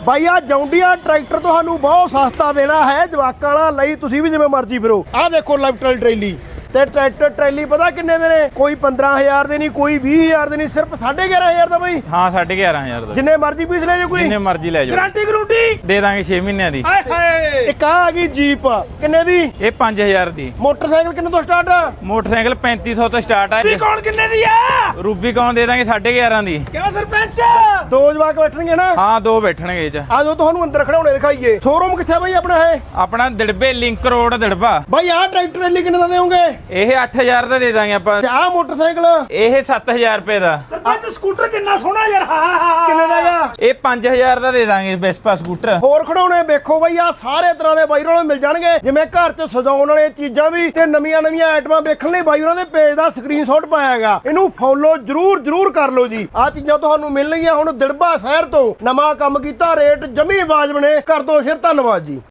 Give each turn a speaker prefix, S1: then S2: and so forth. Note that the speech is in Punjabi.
S1: ਬਾਈ ਆ ਜੌਂਡੀਆ ਟਰੈਕਟਰ ਤੁਹਾਨੂੰ ਬਹੁਤ ਸਸਤਾ ਦੇਣਾ ਹੈ ਜਵਾਕਾਂ ਵਾਲਾ ਲਈ ਤੁਸੀਂ ਵੀ ਜਿਵੇਂ ਮਰਜ਼ੀ ਫਿਰੋ। ਆਹ ਦੇਖੋ ਲੈਫਟਲ ਟਰੇਲੀ ਤੇ ਟਰੈਕਟਰ ਟਰੈਲੀ ਪਤਾ ਕਿੰਨੇ ਦੇ ਨੇ? ਕੋਈ 15000 ਦੇ ਨਹੀਂ, ਕੋਈ 20000 ਦੇ ਨਹੀਂ, ਸਿਰਫ 11500 ਦਾ ਬਾਈ।
S2: ਹਾਂ 11500 ਦਾ
S1: ਜਿੰਨੇ ਮਰਜ਼ੀ ਪੀਸ ਲੈ ਜਾਓ, ਕੋਈ
S2: ਜਿੰਨੇ ਮਰਜ਼ੀ ਲੈ ਜਾਓ।
S1: ਗਾਰੰਟੀ ਗਰੂੰਟੀ
S2: ਦੇ ਦਾਂਗੇ 6 ਮਹੀਨਿਆਂ ਦੀ।
S1: ਹਾਏ ਹਾਏ ਇੱਕ ਆ ਗਈ ਜੀਪ ਕਿੰਨੇ ਦੀ?
S2: ਇਹ 5000 ਦੀ।
S1: ਮੋਟਰਸਾਈਕਲ ਕਿੰਨੇ ਤੋਂ ਸਟਾਰਟ?
S2: ਮੋਟਰਸਾਈਕਲ 3500 ਤੋਂ ਸਟਾਰਟ ਹੈ।
S1: ਕੌਣ ਕਿੰਨੇ ਦੀ ਆ?
S2: ਰੂਬੀਕੌਨ ਦੇ ਦਾਂਗੇ 11.5 ਦੀ।
S1: ਕਿਉਂ ਸਰਪੰਚ? ਦੋ ਜਵਾਕ ਬੈਠਣਗੇ ਨਾ?
S2: ਹਾਂ ਦੋ ਬੈਠਣਗੇ ਇਹ ਚ।
S1: ਆ ਜੋ ਤੁਹਾਨੂੰ ਅੰਦਰ ਖੜਾਉਣੇ ਦਿਖਾਈਏ। ਸ਼ੋਰੂਮ ਕਿੱਥੇ ਬਾਈ ਆਪਣਾ ਹੈ?
S2: ਆਪਣਾ ਦਿੜਬੇ ਲਿੰਕ ਰੋਡ ਦਿੜਬਾ।
S1: ਬਾਈ ਆਹ ਟਰੈਕਟਰ ਟਰੈਲੀ ਕਿੰਨੇ ਦਾ ਦੇਵੋਗੇ?
S2: ਇਹ 8000 ਦਾ ਦੇ ਦਾਂਗੇ ਆਪਾਂ।
S1: ਆਹ ਮੋਟਰਸਾਈਕਲ
S2: ਇਹ 7000 ਰੁਪਏ ਦਾ।
S1: ਸਰਪੰਚ ਸਕੂਟਰ ਕਿੰਨਾ ਸੋਹਣਾ ਯਾਰ। ਕਿੰਨੇ ਦਾ ਹੈਗਾ?
S2: ਇਹ 5000 ਦਾ ਦੇ ਦਾਂਗੇ ਵੈਸਪਾ ਸਕੂਟਰ।
S1: ਹੋਰ ਖੜਾਉਣੇ ਵੇਖੋ ਬਾਈ ਆ ਸਾਰੇ ਤਰ੍ਹਾਂ ਦੇ ਬਾਈ ਉਹਨਾਂ ਨੂੰ ਮਿਲ ਜਾਣਗੇ, ਜਿਵੇਂ ਘਰ 'ਚ ਸਜਾਉਣ ਵਾਲੇ ਚੀਜ਼ਾਂ ਵੀ ਤੇ ਨਵੀਆਂ ਆਈਟਮਾਂ ਵੇਖਣ ਲਈ ਬਾਈ ਉਹਨਾਂ ਦੇ ਪੇਜ ਦਾ ਸਕਰੀਨਸ਼ਾਟ ਪਾਇਆ ਹੈਗਾ। ਇਹਨੂੰ ਫੋਲੋ ਜਰੂਰ ਕਰ ਲਓ ਜੀ। ਆ ਚੀਜ਼ਾਂ ਤੁਹਾਨੂੰ ਮਿਲਣਗੀਆਂ ਹੁਣ ਦਿੜਬਾ ਸ਼ਹਿਰ ਤੋਂ। ਨਵਾਂ ਕੰਮ ਕੀਤਾ, ਰੇਟ ਜਮੀ ਵਾਜਬ ਨੇ। ਕਰ ਦੋ ਸ਼ੇਅਰ, ਧੰਨਵਾਦ ਜੀ।